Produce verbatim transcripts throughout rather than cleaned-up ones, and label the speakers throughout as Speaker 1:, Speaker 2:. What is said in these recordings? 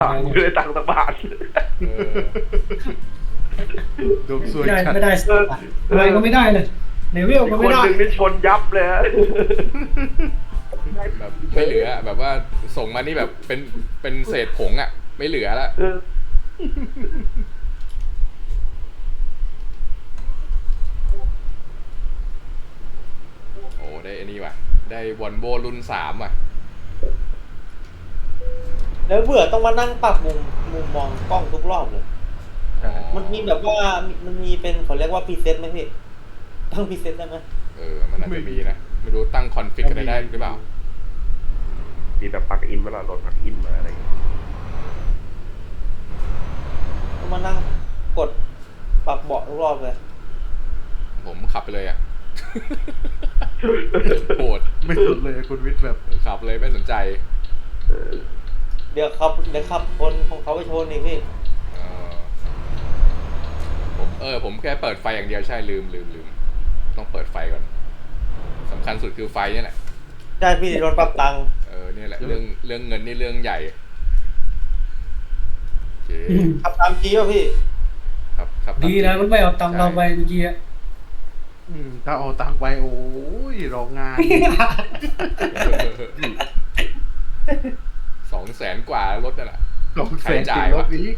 Speaker 1: ไม่ได้ตังค์สักบาท
Speaker 2: ดมสวย
Speaker 3: ไม่ได้
Speaker 2: จัด
Speaker 3: ไม่ได้สักบาทอะไรก็ไม่ได้เลยเลเวล
Speaker 1: อีก
Speaker 3: ก็
Speaker 1: ค
Speaker 3: ไม่
Speaker 1: น
Speaker 3: ได้
Speaker 1: หนึ่งนี่ชนยับเลยฮะ
Speaker 4: แบบไม่เหลือแบบว่าส่งมานี่แบบเป็นเป็นเศษผงอ่ะไม่เหลือแล้ว
Speaker 1: เออ
Speaker 4: โอ้ได้อันนี้ว่ะได้วอลโวรุ่นสามว่ะ
Speaker 5: แล้วเบื่อต้องมานั่งปรับมุมมุมมองกล้องทุกรอบเลย
Speaker 2: ใช่
Speaker 5: มันมีแบบว่ามันมีเป็นเขาเรียกว่าพรีเซ็ตไหมพี่ตั้งพรีเซ็ตได้ไหม
Speaker 4: เออมันน่าจะมีนะไม่รู้ตั้งคอนฟิกอะไรได้หรือเปล่า
Speaker 1: มีแบบปลั๊กอินเวลาโหลดปลั๊กอินมาอะไรอย่างเงี้ย
Speaker 5: ต้องมานั่งกดปรับเบาะทุกรอบเลย
Speaker 4: ผมขับไปเลยอ่ะ โหด
Speaker 2: ไม่สนเลยคุณวิทย์แบบ
Speaker 4: ขับเลยไม่สนใจ
Speaker 1: เออ
Speaker 5: เดี๋ยวขับเดี๋ยวขับคนของเขาไปชนอีกพี่
Speaker 4: เออผมเออผมแค่เปิดไฟอย่างเดียวใช่ลืมลืมลืมต้องเปิดไฟก่อนสำคัญสุดคือไฟนี่แหละ
Speaker 5: ใช่พี่โดนปรับตังค์
Speaker 4: เออเนี่ยแหละเรื่องเรื่องเงินนี่เรื่องใหญ่โอเค
Speaker 5: ขับตามจีป่ะพี่
Speaker 4: ครับครับ
Speaker 3: ดีนะมันไม่เอาตังค์เราไปเมื่อกี้อะ
Speaker 2: อืมถ้าเอาตังค์ไปโอ้ยรองงาน
Speaker 4: สองแสนกว่ารถนั่นแหละ
Speaker 2: สองแสน
Speaker 4: ใครจ่า
Speaker 2: จ่าย ยว
Speaker 4: ะ
Speaker 2: รถนี้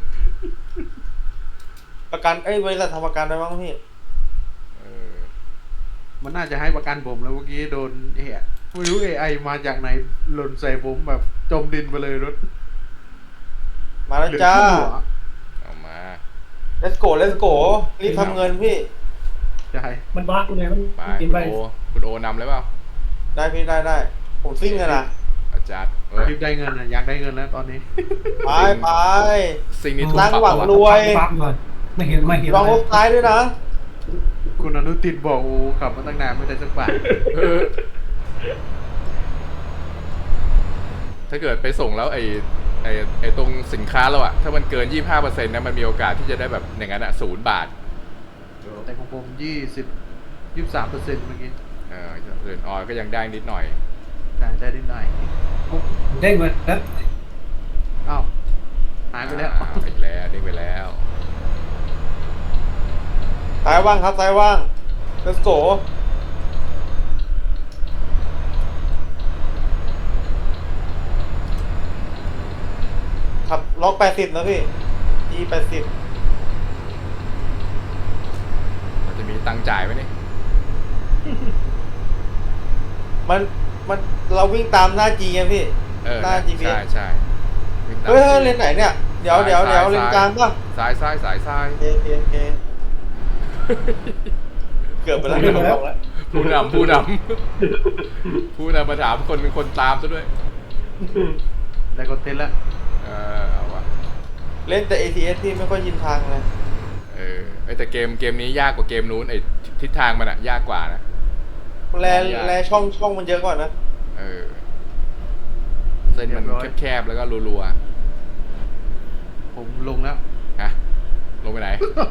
Speaker 5: ประกันเอ้ยบริษัททำประกันได้บ้างพี่
Speaker 4: เออ
Speaker 2: มันน่าจะให้ประกันผมแล้วเมื่อกี้โดนเอะไม่รู้เอไอมาจากไหนหล่นใส่ผมแบบจมดินไปเลยรถ
Speaker 5: มาแล้วจ้า
Speaker 2: เหลือครึ่งหัว
Speaker 4: เอามา
Speaker 5: let's go let's go รีบทำเงินพี่
Speaker 2: ใช่
Speaker 3: มันบ้าเลยมัน
Speaker 4: ไป
Speaker 3: กิน
Speaker 4: คุณ
Speaker 3: ไป
Speaker 4: โอคุณโอนำเลยเปล่า
Speaker 5: ได้พี่ได้ได้ผมซิ่งกันนะ
Speaker 4: อาจารย์เออ
Speaker 2: รีบได้เงินอ่ะอยากได้เงินแล้วตอนนี้
Speaker 5: ไปไป
Speaker 4: สิ่งนี้ทุก
Speaker 5: ตั้ง
Speaker 4: ปรับ
Speaker 5: หวัง
Speaker 4: ปะะ
Speaker 5: รวย
Speaker 3: ฟังก่อนไม่เห็นไม่เห็น
Speaker 5: ลองรถท้ายด้วยนะ
Speaker 2: คุณอนุตินบอกโอ้ขับมาตั้งนานไม่ได้สักบาท
Speaker 4: เออถ้าเกิดไปส่งแล้วไอ้ไอ้ไอ้ตรงสินค้าเราอะถ้ามันเกิน ยี่สิบห้าเปอร์เซ็นต์นะมันมีโอกาสที่จะได้แบบอย่างนั้นอะศูนย์บาท
Speaker 2: แต่ของผมยี่สิบยี่สิบสามเปอร์เซ็นต์เมื่อกี้
Speaker 4: เออเอื่นออยก็ยังได้นิดหน่อย
Speaker 2: ได้ได้นิดหน่อย
Speaker 3: ได้เงินแล้ว
Speaker 2: อ้าวหายไปแล้ว
Speaker 4: อ่าอีกแล้วเด้งไปแล้ว
Speaker 5: ซ้ายว่างครับซ้ายว่าง let's go ขับล็อกแปดสิบนะพี่ G แปดสิบ
Speaker 4: มันจะมีตังค์จ่ายไหมนี่
Speaker 5: มันมันเราวิ่งตามหน้า G ไงพี่
Speaker 4: เออ
Speaker 5: หน้า จี พี เอส
Speaker 4: ใช่ใช่วิ่งตาม
Speaker 5: เฮ้ยเฮ้ยเลนไหนเนี่ย เดี๋ยวเดี๋ยวเดี๋ยวเลนกลางป่ะ
Speaker 4: ซ้ายซ้ายสายซ้าย
Speaker 5: โอเคโอเคโอเคเกือบไปแล้วเกือบไปแล้ว
Speaker 4: ผู้นำผู้นำผู้นำมาถามคนเป็นคนตามซะด้วย
Speaker 2: ได้คอนเทนต์แล้ว
Speaker 4: เออเอาวะ
Speaker 5: เล่นแต่ เอ ที เอส ที่ไม่ค่อยยินทางเลย
Speaker 4: เออไอยแต่เกมเกมนี้ยากกว่าเกมนู้นไอทิศทางมันอะยากกว่านะ
Speaker 5: แลแลช่องช่องมันเยอะกว่านะ
Speaker 4: เออเส้นมันแคบๆแล้วก็รัว
Speaker 2: ผมลงแล้ว
Speaker 4: ๆฮะลงไปไหน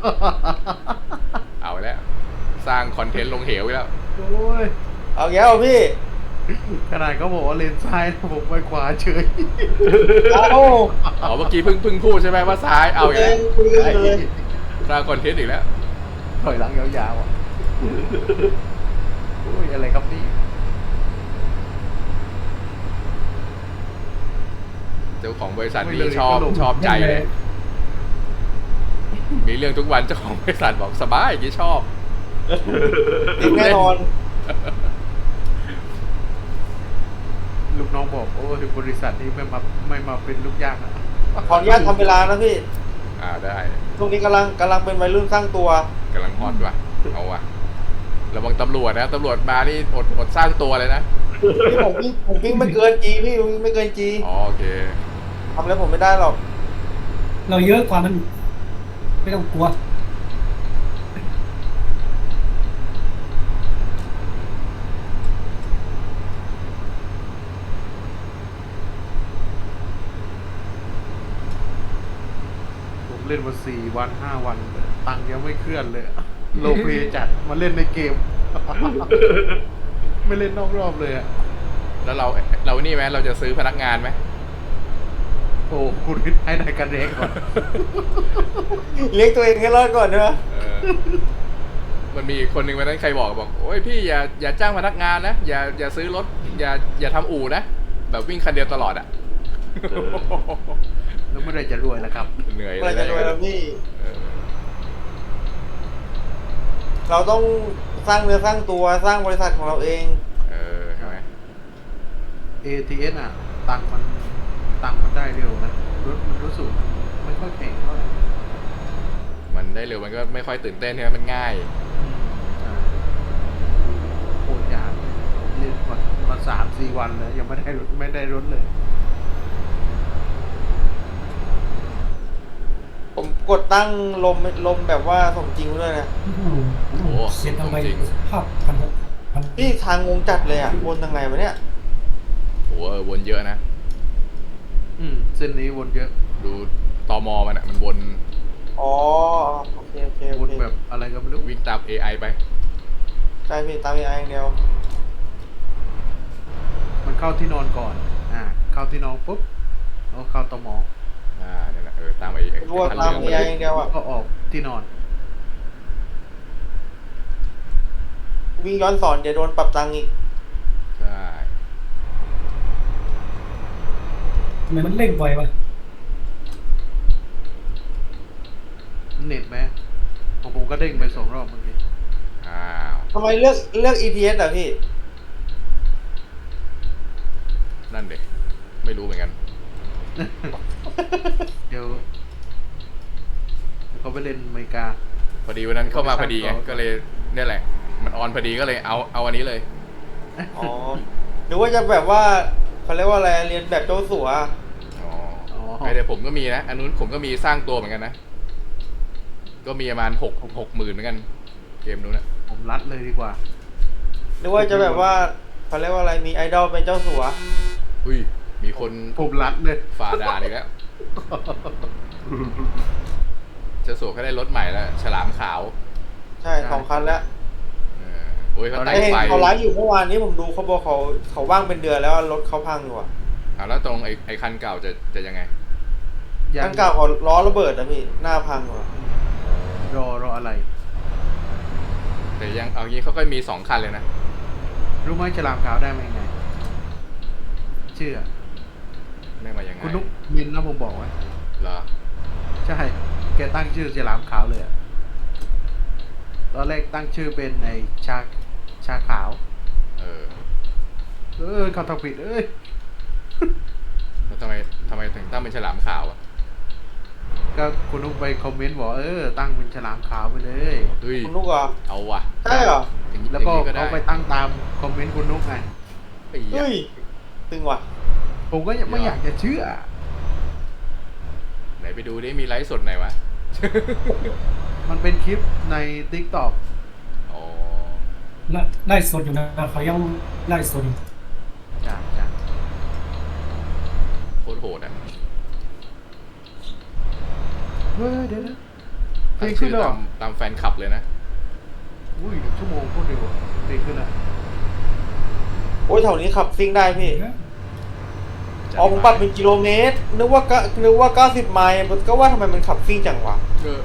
Speaker 4: เอาไปแล้ว สร้างคอนเทนต์ลงเหวไปแล้ว
Speaker 2: โอ้ย
Speaker 5: เอาแก้วพี่
Speaker 2: ขนาดเขาบอกว่าเลนซ้ายนะผมไปขวาเฉย
Speaker 5: เอา
Speaker 4: อ๋อเมื่อกี้เพิ่งเพิ่งพูดใช่ไหมว่าซ้ายเอาอย่าง
Speaker 5: เอ
Speaker 4: นี้
Speaker 5: งคุยกันเลย
Speaker 4: สร้างคอนเทนต์อีกแล้ว
Speaker 2: ถอยหลังยาวๆอ่ะโอ้ยอะไรครับนี่
Speaker 4: เจ้าของบริษัทนี้ชอบชอบใจเลย มีเรื่องทุกวันเจ้าของบริษัทบอกสบายอย่างนี้ชอบ
Speaker 5: จริงแน่นอน
Speaker 2: ลูกน้องบอกโอ้ยบริษัทนี้ไม่มาไม่มาเป็นลูกจ้างอ่ะ
Speaker 5: ขออนุญาตทำเวลานะพี่
Speaker 4: อ่าได้
Speaker 5: ช่วงนี้กำลังกำลังเป็นวัยรุ่นสร้างตัว
Speaker 4: กำลังฮอตว่ะเอาว่ะระวังตำรวจนะตำรวจมานี่อดอดสร้างตัวเลยนะ
Speaker 5: พี่ผมวิ่งผมวิ่งไม่เกินจีพี่ผมวิ่งไม่เกินจี
Speaker 4: อ๋อโอเค
Speaker 5: ทำอะไรผมไม่ได้หรอก
Speaker 3: เราเยอะกว่ามันไม่ต้องกลัว
Speaker 2: ผมเล่นมาสี่วันห้าวันเลยตังค์ยังไม่เคลื่อนเลยโลเพจัดมาเล่นในเกม ไม่เล่นนอกรอบเลยอ่ะ
Speaker 4: แล้วเราเรานี่ไหมเราจะซื้อพนักงานไหม
Speaker 2: อ้คุณให้นายกันเองก่อน
Speaker 5: เลี้ยงตัวเองให้รอดก่อนเนอะ
Speaker 4: เออมันมีคนหนึ่งวันนั้นใครบอกบอกโอ้ยพี่อย่าอย่าจ้างพนักงานนะอย่าอย่าซื้อรถอย่าอย่าทำอู่นะแบบวิ่งคันเดียวตลอดอ่ะ
Speaker 2: แล้วเมื่อไหรจะรวยล่ะครับ
Speaker 4: เหนื่อย
Speaker 5: อะไรจะรวยแล้วพี่
Speaker 4: เออ
Speaker 5: เราต้องสร้างเนื้อสร้างตัวสร้างบริษัทของเราเอง
Speaker 4: เออใช่ไหม
Speaker 2: เอ ที เอส อ่ะ ตังค์มันตังค์มันได้เร็วนะรถมันรู้สึกมันไม่ค่อยแพงเท่าไหร่
Speaker 4: มันได้เร็วมันก็ไม่ค่อยตื่นเต้นใช่ไหมมันง่าย
Speaker 2: อืมใช่โคตรยากเรียนมามาสามสี่วันแล้วยังไม่ได้รถไม่ได้รถเลย
Speaker 5: ผมกดตั้งลมลมแบบว่าสมจริงด้วยนะ
Speaker 3: โอ้โห
Speaker 4: โอ้โห
Speaker 3: เสียทำไม
Speaker 4: จริง
Speaker 3: ภาพพันหกพัน
Speaker 5: พี่ทางงงจัดเลยอ่ะวนทางไหนวะเนี่ย
Speaker 4: โอ้โหเออวนเยอะนะ
Speaker 2: อืมเส้นนี้วนเยอะ
Speaker 4: ดูตอมอมันอ่ะมันวน
Speaker 5: อ๋อโอเคโอเคโอ
Speaker 2: วน
Speaker 5: เค
Speaker 2: แบบอะไรก็ไม่รู้
Speaker 4: วิ่งตาม เอ ไอ ไป
Speaker 5: ใช่พี่ตามเอไออย่างเดียว
Speaker 2: มันเข้าที่นอนก่อน อ่า เข้าที่นอนปุ๊บแล้วเข้าตม
Speaker 4: อ่านั่นแหละเออตามไอ้ไอ้
Speaker 5: รู้ว่า
Speaker 4: คัน
Speaker 5: ตาม
Speaker 4: เรื่อง
Speaker 5: เอ
Speaker 4: ไป
Speaker 5: ไอ
Speaker 4: เลย
Speaker 5: อย่างเดียวอ่ะ
Speaker 2: ก็ออกที่นอน
Speaker 5: วิ่งย้อนสอนเดี๋ยวโดนปรับตังค์อีก
Speaker 4: ใช่
Speaker 3: ทำไมมันเร่งไววะ
Speaker 2: เน็ตไหมของผมก็เด้งไปสองรอบเมื่อกี้
Speaker 4: อ้าว
Speaker 5: ทำไมเลือกเลือก อี ที เอส อ่ะพี่
Speaker 4: นั่นเด็กไม่รู้เหมือนกัน
Speaker 2: เดี๋ยวเดี๋ยวเขาไปเล่นอเมริกา
Speaker 4: พอดีวันนั้นเข้ามาพอดีไงก็เลยเนี่ยแหละ มันออนพอดีก็เลยเอาเอาอันนี้เลย
Speaker 5: อ๋อหรือว่าจะแบบว่าเขาเรียกว่าอะไรเรียนแบบเจ้าสัว
Speaker 4: อ๋อ
Speaker 2: อ๋อ
Speaker 4: ไอเดี๋ยวผมก็มีนะ อันนู้นผมก็มีสร้างตัวเหมือนกันนะ ก็มีประมาณหกหกหมื่นเหมือนกัน เกมนู้นนะ
Speaker 2: ผมรัดเลยดีกว่า
Speaker 5: หรือว่าจะแบบว่าเขาเรียกว่าอะไรมีไอดอลเป็นเจ้าสัว
Speaker 4: อุ้ย มีคน
Speaker 2: ผมรัดเลย
Speaker 4: ฝ่าด่าอีกแล้วเจะสวก็ได้รถใหม่แล้ว ฉลามขาว
Speaker 5: ใช่สองคันแล้ว
Speaker 4: เออโอ้ยเขาตั้
Speaker 5: ไอง เห็น
Speaker 4: ไฟ
Speaker 5: เขาไลฟ์อยู่เมื่อวานนี้ผมดูเขาบอกเขาเขาว่างเป็นเดือนแล้วรถเขาพังอยู่อ่ะ
Speaker 4: อ่าแล้วตรงไอ้ไอ้คันเก่าจะจะยังไง
Speaker 5: คันเก่าเขาล้อระเบิดนะพี่หน้าพังอยู่อะ
Speaker 2: รอรออะไร
Speaker 4: แต่ยังเอางี้เขาก็มีสองคันเลยนะ
Speaker 2: รู้ไหมฉลามขาวได้มายังไง เชื่อ
Speaker 4: ได้มายังไง
Speaker 2: คุณนุกมินนะผมบอกไว้
Speaker 4: เหรอ
Speaker 2: ใช่ แกตั้งชื่อฉลามขาวเลยอะตอนแรกตั้งชื่อเป็นไอชาชาขาว
Speaker 4: เออ
Speaker 2: เออเขาทำผิดเอ้ย
Speaker 4: แล้วทำไมทำไมถึงตั้งเป็นฉลามขาวอ่ะ
Speaker 2: ก็คุณนุกไปคอมเมนต์บอกเออตั้งเป็นฉลามขาวไปเลย
Speaker 4: เฮ้ย
Speaker 5: คุณลูกเหรอ
Speaker 4: เอาว่ะ
Speaker 5: ใช่เหรอ
Speaker 4: อย่างนี้
Speaker 2: แล้วก็
Speaker 4: อย่างนี้ได้
Speaker 2: เขาไปตั้งตามคอมเมนต์คุณนุกไง
Speaker 4: ไอ้เหี้ย
Speaker 5: เฮ้ยตึงว่ะ
Speaker 2: ผมก็ยังไม่อยากจะเชื่อ
Speaker 4: ไหนไปดูดิมีไลฟ์สดไหนวะ
Speaker 2: มันเป็นคลิปใน ติ๊กต็อก
Speaker 4: อ๋อ
Speaker 3: ไล่ไล่สดอยู่นะเขายังไล่สดอยู่
Speaker 2: จ้าจ้า
Speaker 4: โคตรโหดอ่ะ
Speaker 2: เฮ้ยเดี๋ยวนะเพล
Speaker 4: ตั้ง
Speaker 2: งขึ้
Speaker 4: ชื่
Speaker 2: น
Speaker 4: อ
Speaker 2: แล้วเหร
Speaker 4: ตา
Speaker 2: อ
Speaker 4: มตามแฟนคลับเลยนะ
Speaker 2: อุ้ยหนึ่งชั่วโมงโคตรเร็วอะเพลงขึ้นแล้ว
Speaker 5: โอ้ยแถวนี้ขับซิ่งได้พี่
Speaker 3: นะ
Speaker 5: อ๋อผมปรับเป็นกิโลเมตรนึกว่าก็นึกว่าเก้าสิบไมล์ก็ว่าทำไมมันขับซิ่งจังวะ
Speaker 4: เออ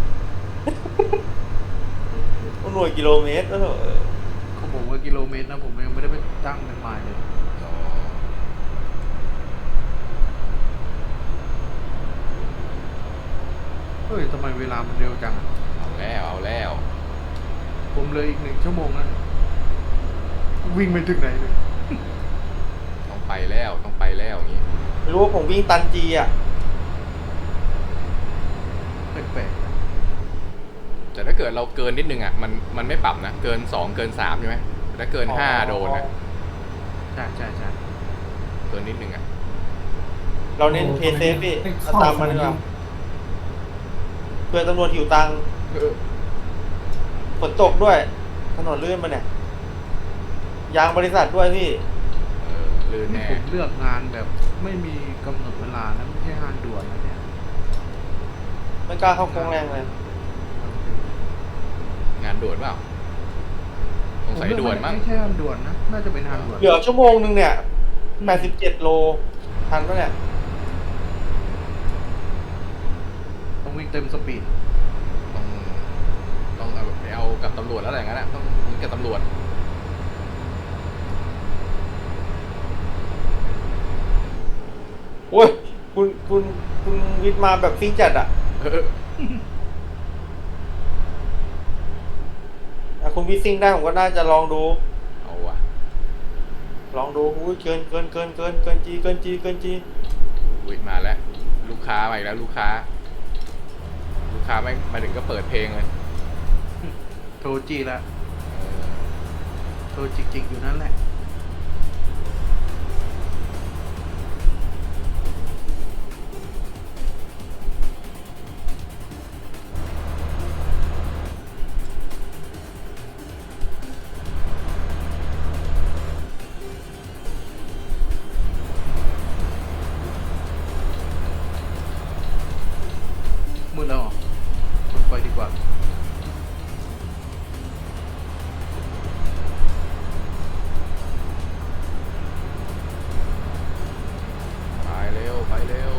Speaker 5: หน่วยกิโลเมตรแล้วเหรอ
Speaker 2: ของผมว่ากิโลเมตรนะผมยังไม่ได้ไปตั้งเป็นไมล์เลย
Speaker 4: อ๋อ
Speaker 2: เฮ้ยทำไมเวลามันเร็วจังอะ
Speaker 4: เอาแล้วเอาแล้ว
Speaker 2: ผมเลยอีกหนึ่งชั่วโมงนะวิ่งไปถึงไหนเลย
Speaker 4: ต้องไปแล้วต้องไปแล้วอย่างนี้
Speaker 5: ไม่รู้ว่าผมวิ่งตันจีอ่ะ
Speaker 2: แปลกๆนะ
Speaker 4: แต่ถ้าเกิดเราเกินนิดนึงอ่ะมันมันไม่ปรับนะเกินสองเกินสามใช่ไหมแต่ถ้าเกินห้าโดนนะ
Speaker 2: ใช่ใช่ใช่
Speaker 4: เกินนิดนึงอ่ะ
Speaker 5: เราเน้นเพย์เซฟพี่เอาตามมันดีกว่าเพื่อตำรวจหิวตังค์
Speaker 4: เออ
Speaker 5: ฝนตกด้วย ถนนลื่นมาเนี่ย ยางบริษัทด้วยพี่
Speaker 4: เออลื่น
Speaker 2: นี่
Speaker 4: แน่
Speaker 2: ผมเลือกงานแบบไม่มีกำหนดเวลานะไม่ใช่งานด่วนนะเนี่ย
Speaker 5: ไม่กล้าเข้าโค้งแรงเลย
Speaker 4: งานด่วนเปล่าสงสัยด่วนมั้ง
Speaker 2: ไม่ใช่งานด่วนนะน่าจะเป็นงานด่วน
Speaker 5: เหลือชั่วโมงนึงเนี่ยแปดสิบเจ็ดโล ทันปะเนี่ย
Speaker 2: ต้องวิ่งเต็มสปีด
Speaker 4: ต้องต้องเอาไปเอากับตำรวจแล้วอะไรอย่างนั้นอะต้องยิงกับตำรวจ
Speaker 5: โอ้ยคุณคุณคุณวิทย์มาแบบซิ่งจัดอ่ะ
Speaker 4: เออ
Speaker 5: อ่ะคุณวิทย์ซิ่งได้ผมก็น่าจะลองดู
Speaker 4: เอาว่ะ
Speaker 5: ลองดูอุ้ยเกินเกินเกินเกินเกินจีเกินจีเกินจี
Speaker 4: อุ้ยมาแล้ว ลูกค้ามาอีกแล้วลูกค้า ลูกค้าไม่มาถึงก็เปิดเพลงเลย
Speaker 2: โทรจีละ
Speaker 4: เออ
Speaker 2: โทรจิกๆอยู่นั่นแหละ มืดแล้วเหรอชนไปดีกว่า
Speaker 4: ไปเร็วไปเร็ว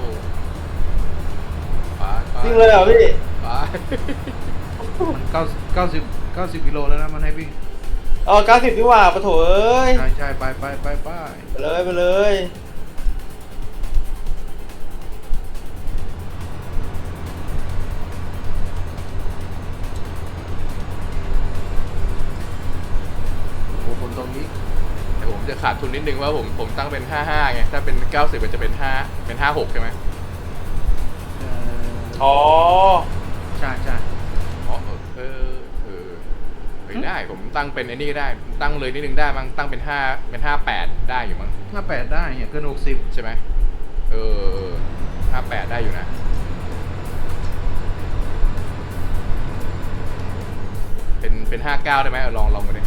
Speaker 4: ไปไป
Speaker 5: ซิ่งเลยเหรอพี่
Speaker 4: ไป
Speaker 2: มันเก้าเก้าสิบเก้าสิบกิโลแล้วนะมันให้วิ่ง
Speaker 5: เออเก้าสิบดีกว่าปะโถเอ้ย
Speaker 2: ใช่ใช่ไปไปไปไป
Speaker 5: ไปเลยไปเลย
Speaker 2: โอ้คนตรงนี้
Speaker 4: แต่ผมจะขาดทุนนิดนึงว่าผมผมตั้งเป็นห้าห้าไงถ้าเป็นเก้าสิบมันจะเป็นห้าเป็นห้าหกใช่ไหม
Speaker 2: เอ่อ
Speaker 5: อ๋อ
Speaker 2: ใช่ใช่
Speaker 4: อ๋อเออเออเฮ้ยได้ผมตั้งเป็นไอ้นี่ก็ได้ตั้งเลยนิดนึงได้มั้งตั้งเป็นห้าเป็นห้าแปดได้อยู่มั้ง
Speaker 2: ห้าแปดได้เนี่ยเกินหกสิบ
Speaker 4: ใช่ไหมเออห้าแปดได้อยู่นะเป็นเป็นห้าเก้าได้ไหมเอาลองลองมาดิ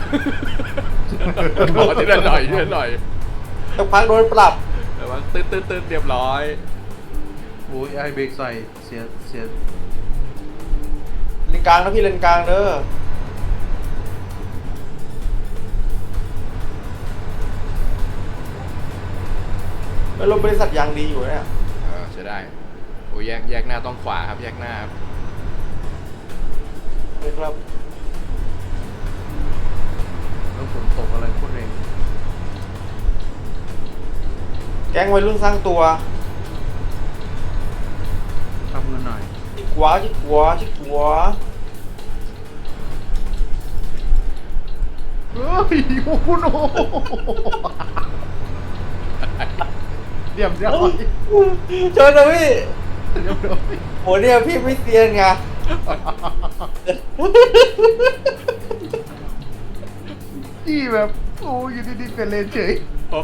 Speaker 4: ขอทีละหน่อยทีละหน่อย
Speaker 5: สักพักโดนปรับ
Speaker 4: แต่ว่าตืดตืดตืดเรียบร้อย
Speaker 2: โอ้ยไอเบรกใส่เสียเสีย
Speaker 5: เลนกลางนะพี่เลนกลางเด้อแล้วรถบริษัทยางดีอยู่เนี่ย
Speaker 4: เออใช้ได้โอ้ยแยกแยกหน้าต้องขวาครับแยกหน้าครับ
Speaker 5: เลยครับ
Speaker 2: แล้วฝนตกอะไรโคตรแรง
Speaker 5: แก๊งวัยรุ่นสร้างตัว
Speaker 2: ทำเงินหน่อย
Speaker 5: ชิดขวาชิดขวาชิดขวา
Speaker 2: เฮ้ยโอ้โหโนเรียบร้อย
Speaker 5: เชิญนะพี่
Speaker 2: เรียบร้อย
Speaker 5: โหเนี่ยพี่ไม่เซียนไง
Speaker 2: จี้แบบโอ้ยอยู่ดีๆเป็นเลนเฉย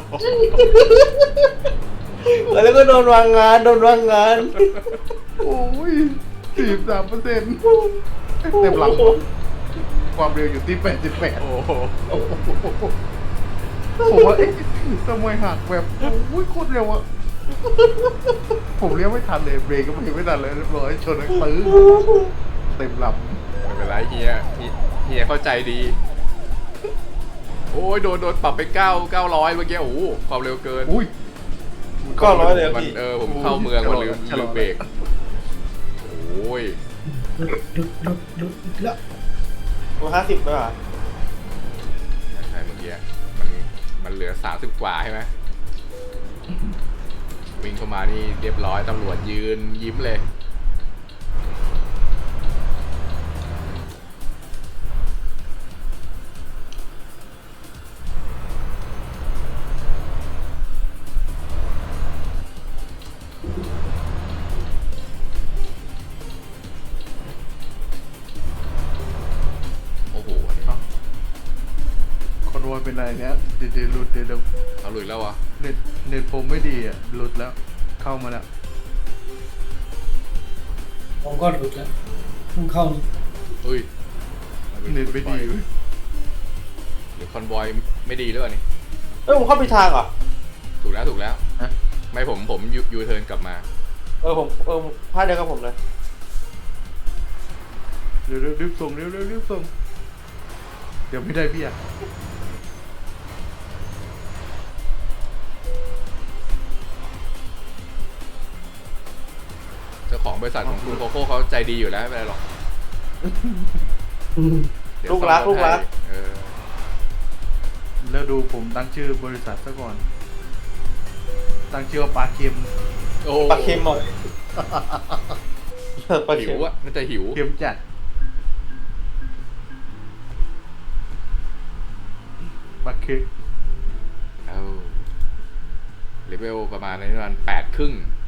Speaker 5: แล้วก็โดนวางงานโดนวางงาน
Speaker 2: โอ้ยสี่สิบสามเปอร์เซ็นต์เต็มหลังความเร็วอยู่ที่แปดสิบแปด
Speaker 4: โอ้โห
Speaker 2: ผมว่าเอ๊ะทำไมหักแบบโอ้ยโคตรเร็วอะผมเลี้ยวไม่ทันเลยเบรกก็ไม่ไม่ทันเลยเรียบร้อยชนตื้อเต็มล
Speaker 4: ไม่เป็นไรเฮียเฮียเฮียเข้าใจดี โอ้ยโดนโดนปรับไปเก้าเก้าร้อยเมื่อกี้โอ้โหความเร็วเกิน
Speaker 2: ำอุ้ย
Speaker 5: ก็ร้อยเลย
Speaker 4: มัน
Speaker 5: พี่
Speaker 4: เออผมเข้าเมืองมาลืม
Speaker 2: ชะล
Speaker 4: ลื
Speaker 2: อ
Speaker 4: มเบรกโอ้ย
Speaker 3: หลุดหลุดหลุดหลุดแล้ว
Speaker 5: ตัวห้าสิบด้วยอ่ะ
Speaker 4: ใช่เมื่อกี้มันมันเหลือสามสิบกว่าใช่ไหมวิ่งเข้ามานี่เรียบร้อยตำรวจยืนยิ้มเลย โอ้โหอันนี้
Speaker 2: คอนวอยเป็นไรเนี้ยเดี๋ยวเดี๋ยวหลุดเดี๋ยวเดี๋ยว
Speaker 4: เอาหลุดแล้ววะ
Speaker 2: เน็ตเน็ตผมไม่ดีอ่ะหลุดแล้วเข้ามาแล้ว
Speaker 3: ผมก็หลุดแล้วเพิ่งเข้านี่
Speaker 4: เฮ้ย
Speaker 2: เน็ตไม่ดีเว้ย
Speaker 4: หรือคอนวอยไม่ดีหรือเปล่านี่
Speaker 5: เอ้ยผมเข้าไปทางเหรอ่ะ
Speaker 4: ถูกแล้วถูกแล้ว
Speaker 2: ฮะ
Speaker 4: ไม่ผมผมยูยูเทิร์นกลับมา
Speaker 5: เออผมเออพลาดเดียวกับผมเลย
Speaker 2: เร็วเร็วรีบส่งเร็วเร็วรีบส่งเดี๋ยวไม่ได้พี่อ่ะ
Speaker 4: เจ้าของบริษัทของคุณโคโค่เขาใจดีอยู่แล้วไม่เป็นไรหรอกเดี๋ยว
Speaker 5: ลูกรัก
Speaker 4: ซ่อมถ
Speaker 5: ลูกรัก
Speaker 4: ให้เออ
Speaker 2: แล้วดูผมตั้งชื่อบริษัทซะก่อน ตั้งชื่อว่าปลาเค็ม
Speaker 4: โอ้
Speaker 5: ปลาเค็มหมดปลา
Speaker 4: หิ
Speaker 5: เค็
Speaker 4: ว
Speaker 5: ม
Speaker 4: อะน่าจะหิว
Speaker 2: เค็มจัดปลาเค็ม
Speaker 4: เอาเลเวลประมาณนี้ประมาณแปดครึ่ง